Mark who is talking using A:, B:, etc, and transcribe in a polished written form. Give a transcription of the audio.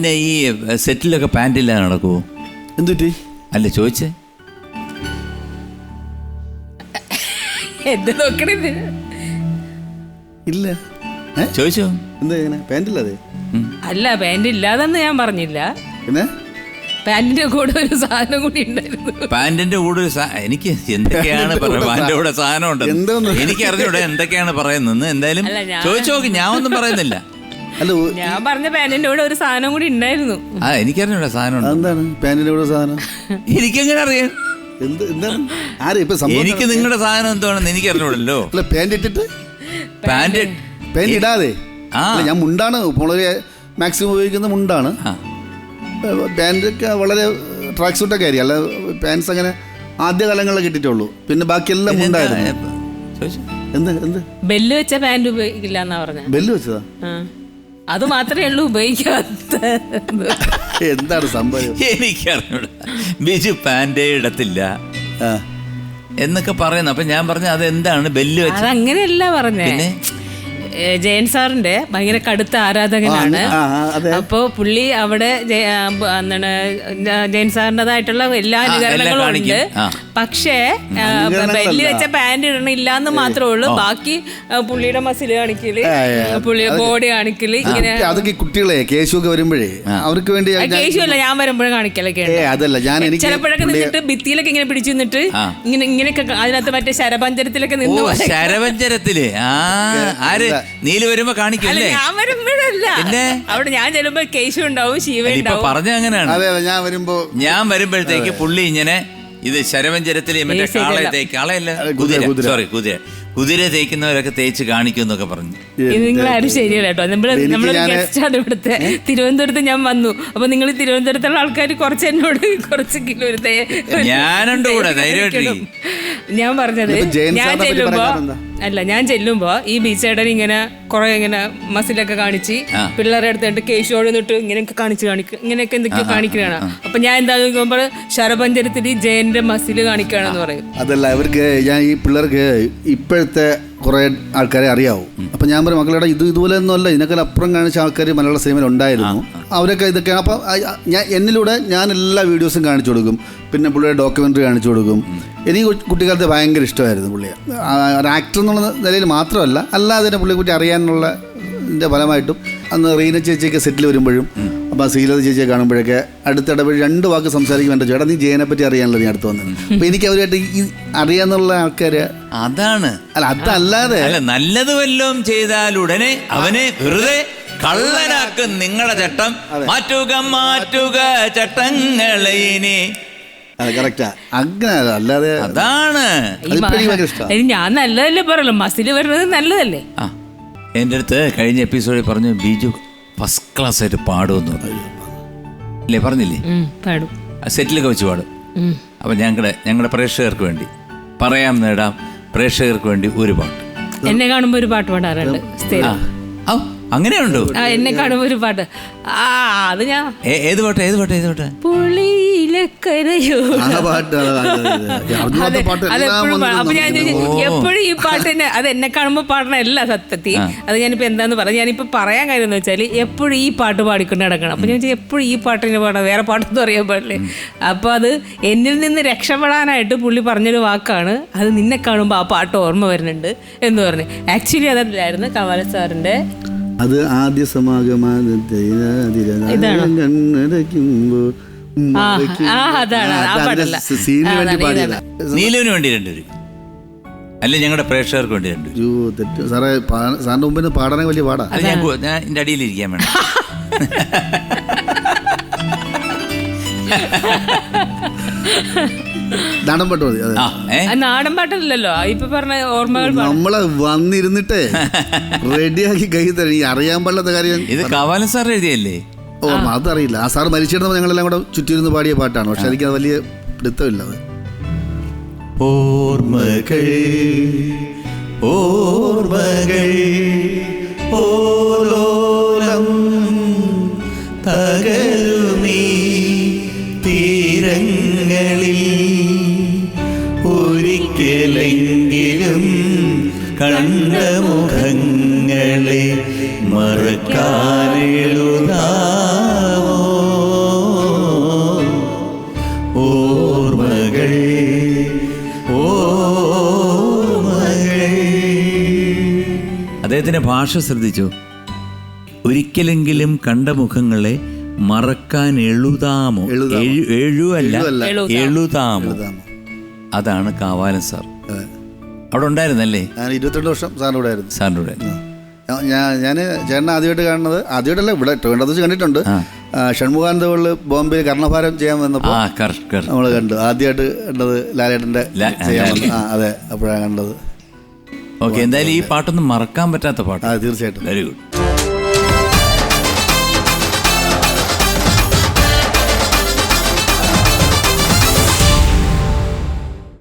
A: പിന്നെ ഈ സെറ്റിലൊക്കെ പാൻറ്റില്ലാതെ നടക്കുമോ?
B: എന്തുറ്റി?
A: അല്ല ചോദിച്ചേ.
C: എന്ത് നോക്കണേ?
B: ഇല്ല
A: ചോദിച്ചോ?
B: എന്താ പാൻറ്റില്ലാതെ?
C: അല്ല, പാന്റ് ഇല്ലാതെന്ന് ഞാൻ പറഞ്ഞില്ല.
B: പിന്നെ
C: പാന്റിന്റെ കൂടെ ഒരു സാധനം കൂടി ഉണ്ടായിരുന്നു.
A: പാന്റിന്റെ കൂടെ എനിക്ക് എന്തൊക്കെയാണ് പാന്റിന്റെ കൂടെ സാധനം ഉണ്ട്, എനിക്ക് അറിഞ്ഞൂടെ എന്തൊക്കെയാണ് പറയുന്നത്. എന്തായാലും ചോദിച്ചു നോക്കി, ഞാൻ ഒന്നും പറയുന്നില്ല.
C: ഞാൻ പറഞ്ഞ പാന്റിന്റെ കൂടെ ഒരു സാധനം കൂടി ഉണ്ടായിരുന്നു.
A: എനിക്കറിഞ്ഞൂടെ സാധനം ഉണ്ട്.
B: എന്താണ് പാന്റിന്റെ കൂടെ സാധനം?
A: എനിക്കെങ്ങനെ അറിയാം? എനിക്ക് നിങ്ങളുടെ സാധനം എന്താണെന്ന് എനിക്ക് അറിഞ്ഞൂടല്ലോ.
B: പാന്റ് ഇട്ടിട്ട്
A: പാന്റ്
B: ഇടാതെ ഞാൻ മുണ്ടാണ് വളരെ മാക്സിമം ഉപയോഗിക്കുന്ന മുണ്ടാണ്. പാൻറ്റൊക്കെ വളരെ ട്രാക്ക് സൂട്ടൊക്കെ ആയിരിക്കും. അല്ല പാൻസ് അങ്ങനെ ആദ്യകാലങ്ങളിലൊക്കെ ഇട്ടിട്ടുള്ളൂ. പിന്നെ ബാക്കിയെല്ലാം മുണ്ടായിരുന്നു. എന്ത്
C: ബെല്ല് വെച്ച പാന്റ് ഉപയോഗിക്കില്ല എന്നാ പറഞ്ഞ?
B: ബെല്ല് വെച്ചതാ?
C: അത് മാത്രമേ ഉള്ളൂ ഉപയോഗിക്കാത്ത.
B: എന്താണ് സംഭവം?
A: എനിക്കറിഞ്ഞൂടാ. ബിജു പാൻറ്റേ ഇടത്തില്ല എന്നൊക്കെ പറയുന്നു. അപ്പൊ ഞാൻ പറഞ്ഞു അതെന്താണ് ബെല്ല് വെച്ചത്?
C: അതങ്ങനെയല്ല പറഞ്ഞേ. ജയൻ സാറിന്റെ ഭയങ്കര കടുത്ത ആരാധകനാണ്. അപ്പോ പുള്ളി അവിടെ എന്താണ് ജയൻ സാറിൻ്റെതായിട്ടുള്ള എല്ലാ അനുകരണങ്ങളും ഉണ്ട്. പക്ഷേ ബെല്ല് വെച്ച പാന്റ് ഇടണില്ല എന്ന് മാത്രമേ ഉള്ളൂ. ബാക്കി പുള്ളിയുടെ മസിൽ കാണിക്കല്, പുള്ളിയുടെ ബോഡി കാണിക്കല്, ഇങ്ങനെ. അതൊക്കെ
B: കുട്ടികളെ കേശുവൊക്കെ വരുമ്പോഴേ അവർക്ക് വേണ്ടി.
C: കേശുവല്ല, ഞാൻ വരുമ്പോഴും കാണിക്കലൊക്കെ ചിലപ്പോഴൊക്കെ നിന്നിട്ട് ഭിത്തിയിലൊക്കെ ഇങ്ങനെ പിടിച്ചു നിന്നിട്ട് ഇങ്ങനെയൊക്കെ അതിനകത്ത് മറ്റേ ശരപഞ്ചരത്തിലൊക്കെ നിന്ന്.
A: ശരപഞ്ചരത്തില് നീല് വരുമ്പോ കാണിക്കല്ലേ?
C: ഞാൻ വരുമ്പോഴല്ല, അവിടെ ഞാൻ ചെല്ലുമ്പോ കേശു ഉണ്ടാവും, ശിവ ഉണ്ടാവും.
A: പറഞ്ഞ അങ്ങനെയാണ്. ഞാൻ വരുമ്പോഴത്തേക്ക് പുള്ളി ഇങ്ങനെ ഇത് ശരവഞ്ചരത്തില് മറ്റേ കുതിര തേക്കുന്നവരൊക്കെ തേച്ച് കാണിക്കും എന്നൊക്കെ പറഞ്ഞു.
C: നിങ്ങളാരും ശരിയല്ല കേട്ടോ. നമ്മളൊരു ഗസ്റ്റാണ് ഇവിടുത്തെ. തിരുവനന്തപുരത്ത് ഞാൻ വന്നു. അപ്പൊ നിങ്ങൾ തിരുവനന്തപുരത്തുള്ള ആൾക്കാർ കുറച്ച് എന്നോട് കുറച്ച് കിലോ
A: ഞാനുണ്ട് കൂടെ ധൈര്യമായിട്ട്.
C: ഞാൻ പറഞ്ഞത് ഞാൻ ചെല്ലുമ്പോ ഈ ബീച്ചേടൻ ഇങ്ങനെ കുറെ ഇങ്ങനെ മസിലൊക്കെ കാണിച്ച് പിള്ളേരെ അടുത്തിട്ട് കേശോട് നിന്നിട്ട് ഇങ്ങനെയൊക്കെ ഇങ്ങനെയൊക്കെ എന്തൊക്കെയോ കാണിക്കുകയാണ്. അപ്പൊ ഞാൻ എന്താ നോക്കുമ്പോൾ ശരപഞ്ചരത്തിൽ ജയന്റെ മസില് കാണിക്കുകയാണെന്ന് പറയും.
B: അതല്ല, അവർക്ക് ഞാൻ ഈ പിള്ളേർക്ക് ഇപ്പോഴത്തെ കുറേ ആൾക്കാരെ അറിയാവും. അപ്പം ഞാൻ പറയും മക്കളുടെ ഇതുപോലെ ഒന്നുമല്ല, ഇതിനേക്കാൾ അപ്പുറം കാണിച്ച ആൾക്കാർ മലയാള സിനിമയിൽ ഉണ്ടായിരുന്നു. അവരൊക്കെ ഇതൊക്കെയാണ്. അപ്പം എന്നിലൂടെ ഞാൻ എല്ലാ വീഡിയോസും കാണിച്ചു കൊടുക്കും. പിന്നെ പുള്ളിയുടെ ഡോക്യുമെൻ്ററി കാണിച്ചു കൊടുക്കും. എനിക്ക് കുട്ടിക്കാലത്ത് ഭയങ്കര ഇഷ്ടമായിരുന്നു പുള്ളിയെ. ഒരു ആക്ടർ എന്നുള്ള നിലയിൽ മാത്രമല്ല, അല്ലാതെ തന്നെ പുള്ളിയെക്കുറിച്ച് അറിയാനുള്ള ഫലമായിട്ടും അന്ന് റീന ചേച്ചിയൊക്കെ സെറ്റിൽ വരുമ്പോഴും അപ്പം ശ്രീലത ചേച്ചിയെ കാണുമ്പോഴൊക്കെ അടുത്തിടപെട്ട് 2 വാക്ക് സംസാരിക്കും. എൻ്റെ ചേട്ടാ നീ ജയനെ പറ്റി അറിയാനല്ലോ നീ അടുത്ത് വന്നത്. അപ്പം എനിക്ക് അവരുമായിട്ട് ഈ അറിയാന്നുള്ള ആൾക്കാർ അതാണ്. അല്ല അതല്ലാതെ
A: നല്ലത് വല്ലതും ചെയ്താൽ ഉടനെ അവനെ വെറുതെ കള്ളനാക്കും നിങ്ങളുടെ ചട്ടം. മാറ്റുക ചട്ടങ്ങളെ.
B: കറക്റ്റാ, അങ്ങനെ അല്ലാതെ
A: അതാണ്.
C: ഞാൻ നല്ലതല്ലേ പറയല്ലോ, മസിൽ വരുന്നത് നല്ലതല്ലേ.
A: എൻ്റെ അടുത്ത് കഴിഞ്ഞ എപ്പിസോഡിൽ പറഞ്ഞു ബിജു ഫസ്റ്റ് ക്ലാസ് ആയിട്ട് പാടുമെന്ന് പറഞ്ഞു അല്ലേ? പറഞ്ഞില്ലേ?
C: പാടും,
A: സെറ്റിലൊക്കെ വെച്ച് പാടും. അപ്പം ഞങ്ങളുടെ പ്രേക്ഷകർക്ക് വേണ്ടി പറയാം നേടാം, പ്രേക്ഷകർക്ക് വേണ്ടി ഒരു പാട്ട്.
C: എന്നെ കാണുമ്പോൾ ഒരു പാട്ട് പാടാറുണ്ട്.
A: അങ്ങനെയുണ്ടോ?
C: എന്നെ കാണുമ്പോ ഒരു പാട്ട്. അത് ഞാൻ
A: ഏത് പാട്ട്?
C: പുളിയിലക്കരയോ. അപ്പൊ ഞാൻ എപ്പോഴും ഈ പാട്ടിന് അത് എന്നെ കാണുമ്പോ പാടണല്ല സത്യത്തിൽ. അത് ഞാനിപ്പോ എന്താന്ന് പറഞ്ഞു, ഞാനിപ്പോ പറയാൻ കാര്യം എന്ന് വെച്ചാൽ എപ്പോഴും ഈ പാട്ട് പാടിക്കൊണ്ട് നടക്കണം. അപ്പൊ ഞാൻ എപ്പോഴും ഈ പാട്ടിന് പാടാം, വേറെ പാട്ടൊന്നും അറിയാൻ പാടില്ലേ. അപ്പൊ അത് എന്നിൽ നിന്ന് രക്ഷപ്പെടാനായിട്ട് പുള്ളി പറഞ്ഞൊരു വാക്കാണ്, അത് നിന്നെ കാണുമ്പോ ആ പാട്ട് ഓർമ്മ വരുന്നുണ്ട് എന്ന് പറഞ്ഞു. ആക്ച്വലി അതല്ലായിരുന്നു കമല സാറിന്റെ
B: അത് ആദ്യ സമാഗമ
A: നീലുവിന് വേണ്ടി 2 അല്ലെ ഞങ്ങളുടെ പ്രേക്ഷകർക്ക് വേണ്ടി 2.
B: സാറേ സാറിന്റെ മുമ്പിൽ പാടാൻ വലിയ പാടാ.
A: ഞാൻ എന്റെ അടിയിലിരിക്കാൻ വേണം.
B: നാടൻ പാട്ട് മതി.
C: നാടൻ പാട്ടല്ലല്ലോ ഇപ്പൊ പറഞ്ഞ ഓർമ്മകൾ.
B: നമ്മളെ വന്നിരുന്നിട്ടേ റെഡിയാക്കി കൈ തരും. ഈ അറിയാൻ പാടില്ലാത്ത കാര്യം.
A: ഇത് കവാലൻ സാർ എഴുതിയല്ലേ?
B: അതറിയില്ല. ആ സാർ മരിച്ചിരുന്നപ്പോൾ ഞങ്ങളെല്ലാം കൂടെ ചുറ്റിരുന്ന് പാടിയ പാട്ടാണ്. പക്ഷെ എനിക്കത് വലിയ പിടുത്തമില്ല. അത്
A: ഓർമ്മകൾ ഓലോലം തകരുമീ തീരങ്ങളിൽ ഒരിക്കലെങ്കിലും കണ്ട മുഖങ്ങളെ മറക്കാനെഴുതാമോ ഭാഷ ശ്രദ്ധിച്ചോ. ഒരിക്കലെങ്കിലും കണ്ട മുഖങ്ങളെ മറക്കാൻ എഴുതാമോ? എഴുതല്ല, എഴുതാമോ. അതാണ് കാവാലൻ സാർ. അവിടെ ഉണ്ടായിരുന്നല്ലേ?
B: ഞാൻ 22 വർഷം സാറിൻ്റെ കൂടെ ആയിരുന്നു.
A: സാറിൻ്റെ കൂടെ
B: ഞാൻ ചേട്ടനെ ആദ്യമായിട്ട് കാണുന്നത്, ആദ്യമായിട്ടല്ല, ഇവിടെ ട്രിവാൻഡ്രത്ത് വെച്ച് കണ്ടിട്ടുണ്ട്. ഷൺമുഖാനന്ദകളിൽ ബോംബെയിൽ കർണഭാരം ചെയ്യാൻ വന്നപ്പോൾ നമ്മൾ കണ്ടു. ആദ്യമായിട്ട് കണ്ടത് ലാലേട്ടൻ്റെ ചെയ്യാൻ വന്നു. അതെ, അപ്പോഴാണ് കണ്ടത്.
A: ഓക്കെ, എന്തായാലും ഈ പാട്ടൊന്നും മറക്കാൻ പറ്റാത്ത പാട്ട്.
B: തീർച്ചയായിട്ടും.
A: Very good.